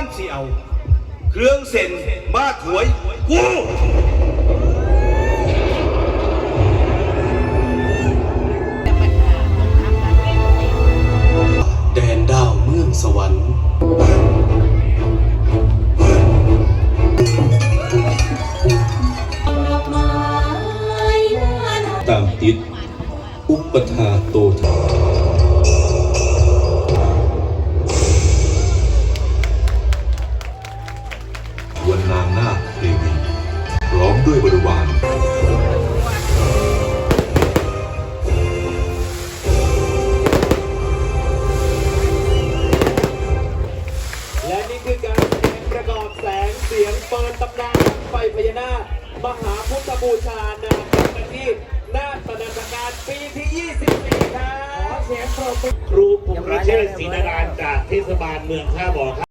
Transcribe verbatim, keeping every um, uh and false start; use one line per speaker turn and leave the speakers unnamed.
มันสิเอาเครื่องเส้นมาถวยกู
แดนดาวเมืองสวรรค์ตามติดอุปทาโตทาวันนางนาคเทวีพร้อมด้วยบริวาร
และนี่คือการแสดงประกอบแสงเสียงเปิดตำนานไฟพญานาคมหาพุทธบูชานาคที่นาฏนันทการปีที่ยี่สิบสี่ครับขอเสียงปรบมือ
ครูภูมิเชษฐ์ศรีนารานจากเทศบาลเมืองท่าบ่อครับ